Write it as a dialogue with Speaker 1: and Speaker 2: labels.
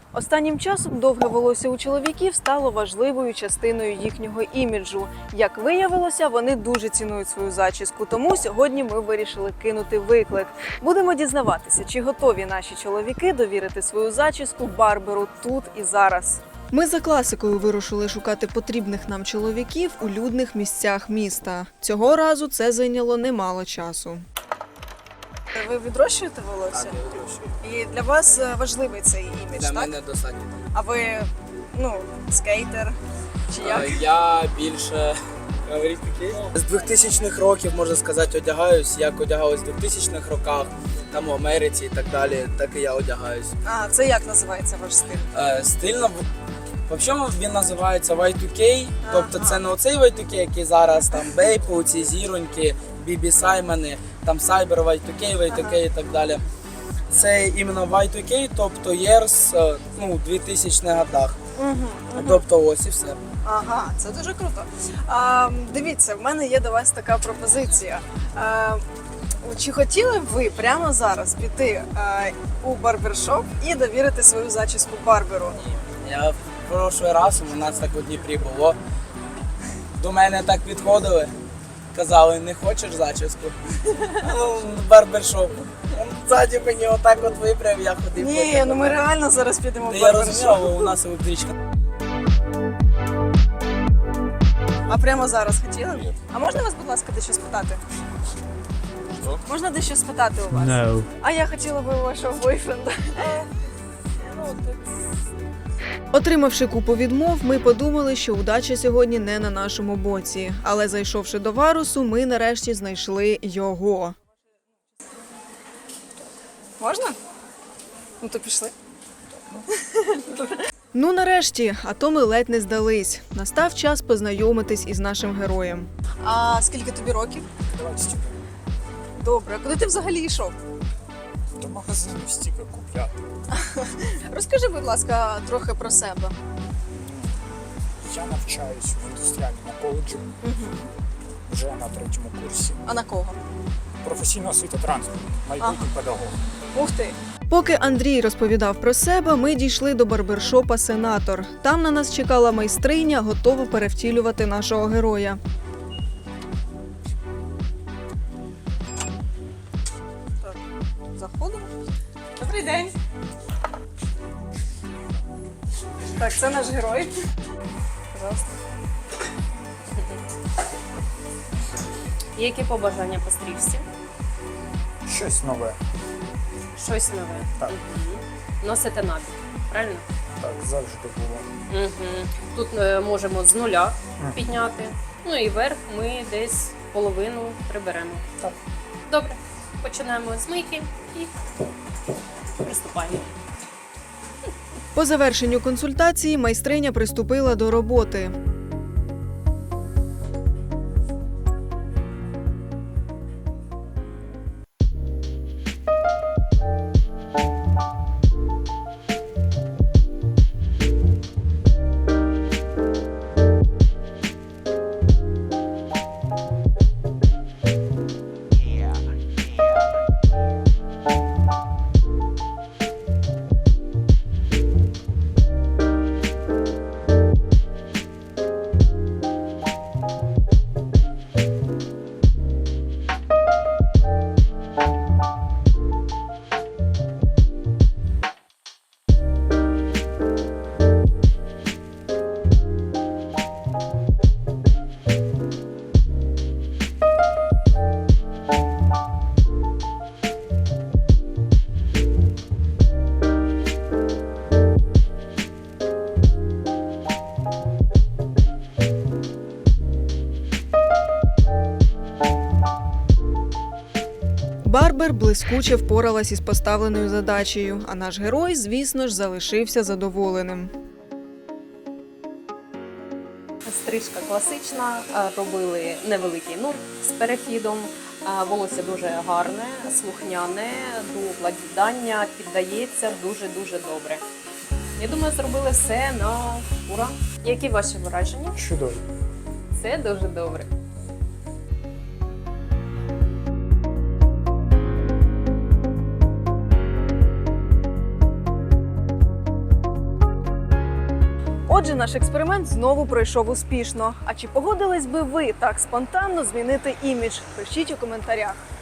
Speaker 1: Останнім часом довге волосся у чоловіків стало важливою частиною їхнього іміджу. Як виявилося, вони дуже цінують свою зачіску, тому сьогодні ми вирішили кинути виклик. Будемо дізнаватися, чи готові наші чоловіки довірити свою зачіску барберу тут і зараз. Ми за класикою вирушили шукати потрібних нам чоловіків у людних місцях міста. Цього разу це зайняло немало часу. Ви відрощуєте волосся?
Speaker 2: Так, я відрощую.
Speaker 1: І для вас важливий цей імідж,
Speaker 2: Для
Speaker 1: так?
Speaker 2: мене достатньо.
Speaker 1: А ви, скейтер чи як?
Speaker 2: Я більше з 2000-х років, можна сказати, одягаюсь, як одягались в 2000-х роках, там в Америці і так далі, так і я одягаюсь.
Speaker 1: А, це як називається ваш стиль?
Speaker 2: Стильно, взагалі він називається Y2K, тобто це не оцей Y2K, який зараз, там Бейпу, ці зіроньки, Бібі Саймони, там Cyber Y2K і так далі. Це іменно Y2K, тобто years, 2000-х годах. Тобто ось і все.
Speaker 1: Ага, це дуже круто. Дивіться, в мене є до вас така пропозиція. Чи хотіли б ви прямо зараз піти у барбершоп і довірити свою зачіску барберу?
Speaker 2: Я в прошлий раз, у нас так у Дніпрі було, до мене так підходили, казали, не хочеш зачіску? Барбершоп. Ззаді мені отак от випряв, я ходив.
Speaker 1: Ні, ми реально зараз підемо в
Speaker 2: Я
Speaker 1: барбершоп.
Speaker 2: розумію, але у нас електричка.
Speaker 1: А прямо зараз хотіли б? А можна вас, будь ласка, дещо спитати?
Speaker 2: Що?
Speaker 1: Можна дещо спитати у вас?
Speaker 3: No.
Speaker 1: А я хотіла би у вашого бойфренда. Отримавши купу відмов, ми подумали, що удача сьогодні не на нашому боці. Але зайшовши до Варусу, ми нарешті знайшли його. Можна? Ну то пішли. Ну нарешті, а то ми ледь не здались. Настав час познайомитись із нашим героєм. А скільки тобі років?
Speaker 4: 20.
Speaker 1: Добре, а куди ти взагалі йшов?
Speaker 4: До магазину стільки купляти.
Speaker 1: Розкажи, будь ласка, трохи про себе.
Speaker 4: Я навчаюсь в індустріальному коледжі. Вже на 3-му курсі.
Speaker 1: А на кого?
Speaker 4: Професійна освіта транспорту, майбутній педагог.
Speaker 1: Ух ти! Поки Андрій розповідав про себе, ми дійшли до барбершопа «Сенатор». Там на нас чекала майстриня, готова перевтілювати нашого героя. Так, заходимо. Добрий день. Так, це наш герой. Пожалуйста.
Speaker 5: Які побажання по стрижці?
Speaker 4: Щось нове.
Speaker 5: Щось нове.
Speaker 4: Так.
Speaker 5: Носите набір, правильно?
Speaker 4: Так, завжди було.
Speaker 5: Тут можемо з нуля підняти. Ну і верх ми десь половину приберемо.
Speaker 4: Так.
Speaker 5: Добре. Починаємо з мийки і приступаємо.
Speaker 1: По завершенню консультації майстриня приступила до роботи. Барбер блискуче впоралась із поставленою задачею, а наш герой, звісно ж, залишився задоволеним.
Speaker 5: Стрижка класична, робили невеликий нурт з перехідом. Волосся дуже гарне, слухняне, до вкладання піддається дуже-дуже добре. Я думаю, зробили все на ура. Які ваші враження?
Speaker 4: Чудово.
Speaker 5: Це дуже добре.
Speaker 1: Отже, наш експеримент знову пройшов успішно. А чи погодились би ви так спонтанно змінити імідж? Пишіть у коментарях.